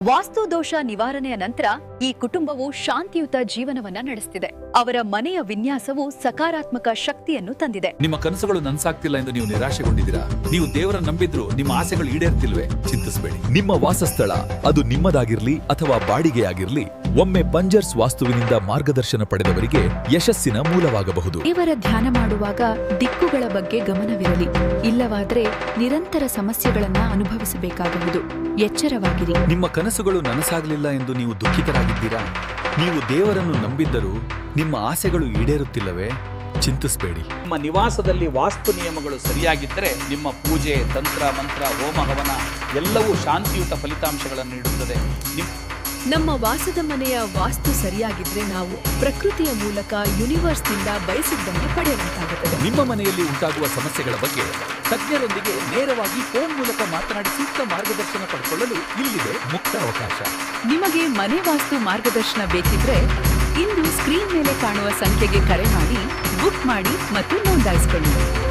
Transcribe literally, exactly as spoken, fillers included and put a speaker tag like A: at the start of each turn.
A: ವಾಸ್ತು ದೋಷ ನಿವಾರಣೆಯ ನಂತರ ಈ ಕುಟುಂಬವು ಶಾಂತಿಯುತ ಜೀವನವನ್ನ ನಡೆಸುತ್ತಿದೆ. ಅವರ ಮನೆಯ ವಿನ್ಯಾಸವು ಸಕಾರಾತ್ಮಕ ಶಕ್ತಿಯನ್ನು ತಂದಿದೆ.
B: ನಿಮ್ಮ ಕನಸುಗಳು ನನ್ಸಾಗ್ತಿಲ್ಲ ಎಂದು ನೀವು ನಿರಾಶೆಗೊಂಡಿದ್ದೀರಾ? ನೀವು ದೇವರ ನಂಬಿದ್ರು ನಿಮ್ಮ ಆಸೆಗಳು ಈಡೇರ್ತಿಲ್ವೇ? ಚಿಂತಿಸಬೇಡಿ. ನಿಮ್ಮ ವಾಸಸ್ಥಳ ಅದು ನಿಮ್ಮದಾಗಿರ್ಲಿ ಅಥವಾ ಬಾಡಿಗೆಯಾಗಿರ್ಲಿ, ಒಮ್ಮೆ ಪಂಜರ್ಸ್ ವಾಸ್ತುವಿನಿಂದ ಮಾರ್ಗದರ್ಶನ ಪಡೆದವರಿಗೆ ಯಶಸ್ಸಿನ ಮೂಲವಾಗಬಹುದು.
A: ದೇವರ ಧ್ಯಾನ ಮಾಡುವಾಗ ದಿಕ್ಕುಗಳ ಬಗ್ಗೆ ಗಮನವಿರಲಿ, ಇಲ್ಲವಾದ್ರೆ ನಿರಂತರ ಸಮಸ್ಯೆಗಳನ್ನ ಅನುಭವಿಸಬೇಕಾಗುವುದು. ಎಚ್ಚರವಾಗಿರಿ.
B: ನಿಮ್ಮ ಕನಸುಗಳು ನನಸಾಗಲಿಲ್ಲ ಎಂದು ನೀವು ದುಃಖಿತರಾಗಿದ್ದೀರಾ? ನೀವು ದೇವರನ್ನು ನಂಬಿದ್ದರೂ ನಿಮ್ಮ ಆಸೆಗಳು ಈಡೇರುತ್ತಿಲ್ಲವೇ? ಚಿಂತಿಸಬೇಡಿ.
C: ನಿಮ್ಮ ನಿವಾಸದಲ್ಲಿ ವಾಸ್ತು ನಿಯಮಗಳು ಸರಿಯಾಗಿದ್ದರೆ ನಿಮ್ಮ ಪೂಜೆ, ತಂತ್ರ, ಮಂತ್ರ, ಹೋಮ, ಹವನ ಎಲ್ಲವೂ ಶಾಂತಿಯುತ ಫಲಿತಾಂಶಗಳನ್ನು ನೀಡುತ್ತದೆ.
A: ನಮ್ಮ ವಾಸದ ಮನೆಯ ವಾಸ್ತು ಸರಿಯಾಗಿದ್ರೆ ನಾವು ಪ್ರಕೃತಿಯ ಮೂಲಕ ಯೂನಿವರ್ಸ್ನಿಂದ ಬಯಸಿದ್ದನ್ನು ಪಡೆಯುವಂತಾಗುತ್ತದೆ.
B: ನಿಮ್ಮ ಮನೆಯಲ್ಲಿ ಉಂಟಾಗುವ ಸಮಸ್ಯೆಗಳ ಬಗ್ಗೆ ತಜ್ಞರೊಂದಿಗೆ ನೇರವಾಗಿ ಫೋನ್ ಮೂಲಕ ಮಾತನಾಡಿ ಸೂಕ್ತ ಮಾರ್ಗದರ್ಶನ ಪಡೆದುಕೊಳ್ಳಲು ಇಲ್ಲಿದೆ ಮುಕ್ತ ಅವಕಾಶ.
A: ನಿಮಗೆ ಮನೆ ವಾಸ್ತು ಮಾರ್ಗದರ್ಶನ ಬೇಕಿದ್ರೆ ಇಂದು ಸ್ಕ್ರೀನ್ ಮೇಲೆ ಕಾಣುವ ಸಂಖ್ಯೆಗೆ ಕರೆ ಮಾಡಿ, ಬುಕ್ ಮಾಡಿ ಮತ್ತು ನೋಂದಾಯಿಸಿಕೊಳ್ಳಿ.